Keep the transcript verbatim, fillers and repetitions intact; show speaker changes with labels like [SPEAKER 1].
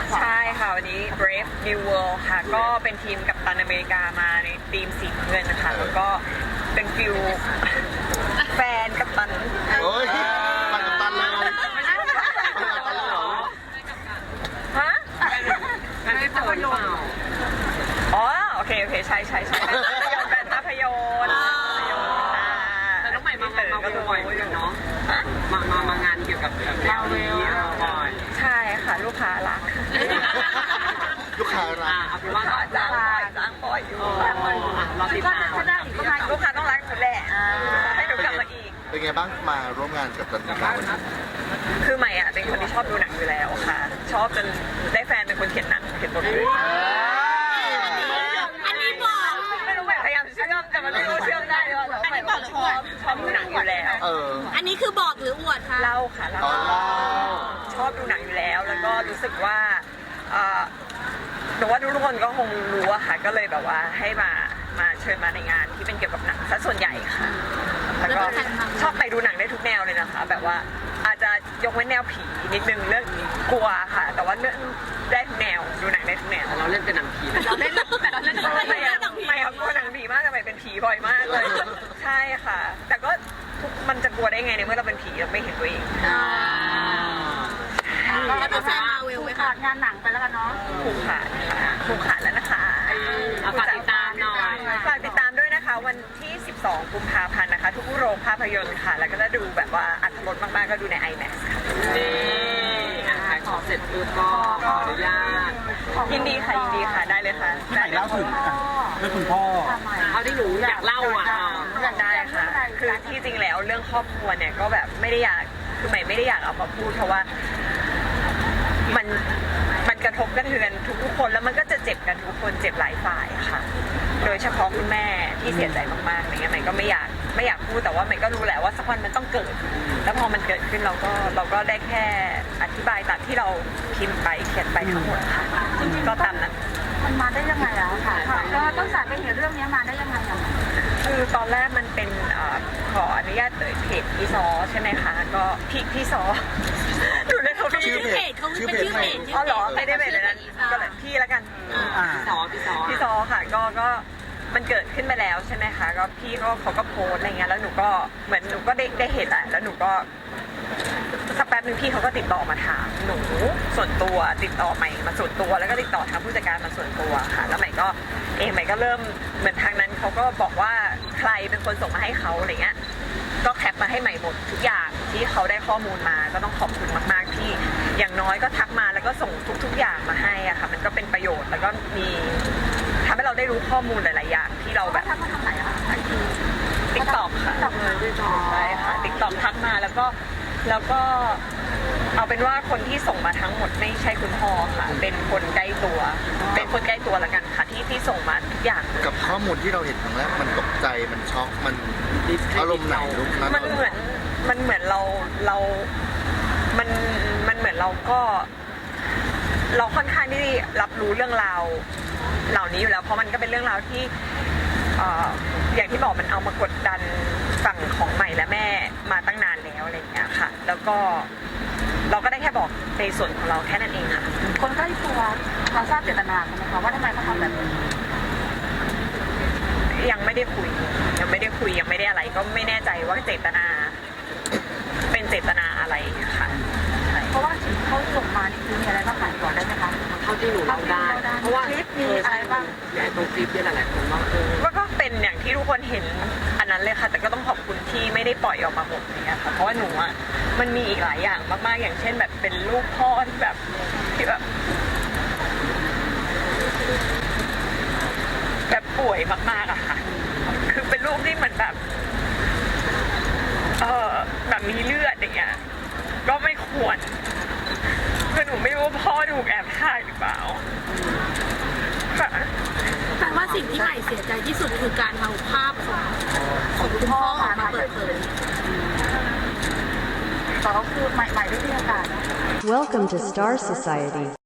[SPEAKER 1] ใช่ค่ะวันนี้ Brave New World ค่ะก็เป็นทีมกัปตันอเมริกามาในทีมสีเงินนะคะแล้วก็เป็นฟิลแฟนกัปตัน
[SPEAKER 2] โอ้ยมากับตันเลยมากับตันเลยเหรอ
[SPEAKER 1] ฮะ
[SPEAKER 3] ไม่ได้เปิดหรือเปล่า
[SPEAKER 1] อ๋อโอเคโอเคใช่ใช่ใช่แฟนภาพยนตร์ภาพยนตร์อ่า
[SPEAKER 3] แต่น้องใหม่มางานมาบ่อยเหมือนกันเนาะ
[SPEAKER 1] ฮะ
[SPEAKER 3] มามามางานเกี่ยวกับแบบแนวนี้บ่อย
[SPEAKER 1] ใช่ค่ะลูกค้ารัก
[SPEAKER 2] ลูกค้ารั
[SPEAKER 3] อ่าก เอาเป็นว่า
[SPEAKER 1] จ้างจ้างบ่อยจ้างบ่อยอยู่
[SPEAKER 3] เราติดตาม
[SPEAKER 1] ลูกค้าต้องรักหนูแหละให้หนูกลับมาอีก
[SPEAKER 2] เป็นไงบ้างมาร่วมงานกับตันนิกาวันนี้
[SPEAKER 1] คือใหม่อ่ะเป็นคนที่ชอบดูหนังอยู่แล้วค่ะ ชอบจนได้แฟนเป็นคนเขียนหนังเขียนบทเลย
[SPEAKER 4] อันนี้บอก
[SPEAKER 1] ไม่รู้ใหม่พยายามเชื่อมแต่มันไม่รู้เชื่อมได้ว่าใหม่บอกชอบชอบดูหนังอยู่แล้ว
[SPEAKER 2] เออ
[SPEAKER 4] อันนี้คือบอกหรืออวดคะ
[SPEAKER 1] เล่าค่ะเล่า
[SPEAKER 2] อ๋อเล่า
[SPEAKER 1] ชอบดูหนังอยู่แล้ว แล้วก็รู้สึกว่าเอ่อหนูว่าทุกคนก็คงรู้อะค่ะก็เลยแบบว่าให้มามาเชิญมาในงานที่เป็นเกี่ยวกับหนังซะส่วนใหญ่ค่ะแล้วก็ชอบไปดูหนังได้ทุกแนวเลยนะคะ แบบว่าอาจจะยกเว้นแนวผีนิดนึงเรื่องกลัวค่ะ แต่ว่าเรื่องได้ทุกแนวดูหนังได้ทุกแนว
[SPEAKER 3] เราเล่นเป็นหนังผี
[SPEAKER 1] เราเล่นแต่เราเล่นไม่อะไม่ครับกลัวหนังผีมากแต่ไม่เป็นผีบ่อยมากเลย ใช่ค่ะ แต่ก็ทุกมันจะกลัวได้ไงในเมื่อเราเป็นผีเราไม่เห็นตัวเอง
[SPEAKER 4] แล้วเป็นแฟนมาเวลไหมคะงานหนังไปแล้วกันเนาะ
[SPEAKER 1] ผูกขาดค่ะผูกขาดแล้วนะคะ
[SPEAKER 3] เอาฝากติดตามหน่อย
[SPEAKER 1] ฝากติดตามด้วยนะคะ วันที่ สิบสอง กุมภาพันธ์นะคะ ทุกโรงภาพยนตร์ค่ะ แล้วก็จะดูแบบว่าอัตรสมากๆก็ดูใน ไอแม็กซ์ ค่ะ
[SPEAKER 3] นี่อ่ะขายของเสร็จปุ๊บก็ขออนุญาต
[SPEAKER 1] ยินดีค่ะยินดีค่ะได้เลยค่ะ
[SPEAKER 5] พี่ใหม่เล่าถึงอ่ะเรื่องคุณพ่อ
[SPEAKER 3] เอาที่หนูอยากเล่าอ่ะ
[SPEAKER 1] อยากได้ค่ะ คือที่จริงแล้วเรื่องครอบครัวเนี่ยก็แบบไม่ได้อยากคือใหม่ไม่ได้อยากเอามาพูดเพราะว่ามันมันกระทบกระเทือนทุกๆคนแล้วมันก็จะเจ็บกันทุกคนเจ็บหลายฝ่ายค่ะ โดยเฉพาะคุณแม่ที่เสียใจมากๆอะไรเงี้ยใหม่ก็ไม่อยากไม่อยากพูดแต่ว่าใหม่ก็รู้แหละว่าสักวันมันต้องเกิด แล้วพอมันเกิดขึ้นเราก็เราก็ได้แค่อธิบายตามที่เราพิมพ์ไปเขียนไปทั้งหมดค่ะก็ตามนั้น
[SPEAKER 4] มันมาได้ยังไงอะค่ะก็ต้นสายไปเห็นเรื่องนี้มาได้ยังไงอะ
[SPEAKER 1] คือตอนแรกมันเป็นเอ่อขออนุญาตเอ่ยเพจพี่ซอใช่ไหมคะก็พี่พี่ซอดูเลยเขาพี่
[SPEAKER 2] ชื่อเพจ
[SPEAKER 4] เขา
[SPEAKER 2] ชื่อ
[SPEAKER 4] เป็น
[SPEAKER 2] เพจ
[SPEAKER 4] ชื่อ
[SPEAKER 2] ใหม่
[SPEAKER 4] เพจ
[SPEAKER 1] อ๋อเหรอไม่ได้เพจเลยนั้นก็เลยพี่แล้วกัน
[SPEAKER 5] อ่า
[SPEAKER 3] พี่ซอพี่ซอ
[SPEAKER 1] พี่ซอค่ะก็ก็มันเกิดขึ้นไปแล้วใช่ไหมคะก็พี่ก็เขาก็โพสต์อะไรเงี้ยแล้วหนูก็เหมือนหนูก็ได้ได้เห็นแหละแล้วหนูก็สักแป๊บนึงพี่เขาก็ติดต่อมาถามหนูส่วนตัวติดต่อใหม่มาส่วนตัวแล้วก็ติดต่อทางผู้จัดการมาส่วนตัวค่ะแล้วใหม่ก็เองใหม่ก็เริ่มเหมือนทางนั้นเขาก็บอกว่าใครเป็นคนส่งมาให้เขาอะไรเงี้ยก็แคปมาให้ใหม่หมดทุกอย่างที่เขาได้ข้อมูลมาก็ต้องขอบคุณมากๆที่อย่างน้อยก็ทักมาแล้วก็ส่งทุก ๆ อย่างมาให้อะค่ะมันก็เป็นประโยชน์แล้วก็มีทำให้เราได้รู้ข้อมูลหลาย ๆ อย่างที่เราแบบ
[SPEAKER 4] ทำมาทำไหนอะไอที
[SPEAKER 1] ติ๊กต็อกค่ะใช่ค่ะติ๊กต็อกทักมาแล้วก็แล้วก็เอาเป็นว่าคนที่ส่งมาทั้งหมดไม่ใช่คุณพ่อค่ะ เป็นคนใกล้ตัว เป็นคนใกล้ตัวละกันค่ะที่ที่ส่งมาทุกอย่าง
[SPEAKER 2] กับข้อมูลที่เราเห็นครั้งแรกมันตกใจมันช็อกมันอารมณ์ไหนลูกนั้น
[SPEAKER 1] มันเหมือนมันเหมือนเราเรา มันมันเหมือนเราก็ เราค่อนข้างที่รับรู้เรื่องราวเหล่านี้อยู่แล้ว เพราะมันก็เป็นเรื่องราวที่เอ่ออย่างที่บอกมันเอามากดดันฝั่งของใหม่และแม่มาตั้งนานแล้วอะไรอย่างเงี้ยค่ะ แล้วก็เราก็ได้แค่บอกในส่วนของเราแค่นั้นเองค่ะ
[SPEAKER 4] คนใกล้ตัวเราทราบเจตนาใช่ไหมคะว่าทำไมเขาทำแบบนี้
[SPEAKER 1] ยังไม่ได้คุยยังไม่ได้คุยยังไม่ได้อะไร ก็ไม่แน่ใจว่าเจตนา เป็นเจตนาอะไรค่ะ
[SPEAKER 4] เพราะว่าสิ่งที่เขาส่งมานี่คือมีอะไรบ้างขายก่อนได้ไหมคะ
[SPEAKER 3] เท่าที่หนูเล่าได้ เพราะว่า
[SPEAKER 4] คลิปมีอะไรบ้าง
[SPEAKER 3] เนี่ยตรงคลิปเนี่ยหลายๆคนว่าเออ
[SPEAKER 1] ว่าก็เป็นอย่างที่ทุกคนเห็นอันนั้นเลยค่ะ แต่ก็ต้องขอบคุณที่ไม่ได้ปล่อยออกมาหมดเนี่ยค่ะเพราะว่าหนูอ่ะมันมีอีกหลายอย่างมากๆอย่างเช่นแบบเป็นลูกพ่อที่แบบที่แบบ แบบป่วยมากๆอะค่ะ คือเป็นลูกที่เหมือนแบบ เออแบบมีเลือดอย่างเงี้ยก็ไม่ควรคือหนูไม่รู้ว่าพ่อถูกแอบถ่ายหรือเปล่าค่ะ
[SPEAKER 4] แปลว่าสิ่งที่ใหม่เสียใจที่สุดคือการเอาภาพของของคุณพ่อออกมาเปิดเผยแต่ก็คือใหม่ใหม่ได้มีโอกาส
[SPEAKER 6] Welcome to Star Society.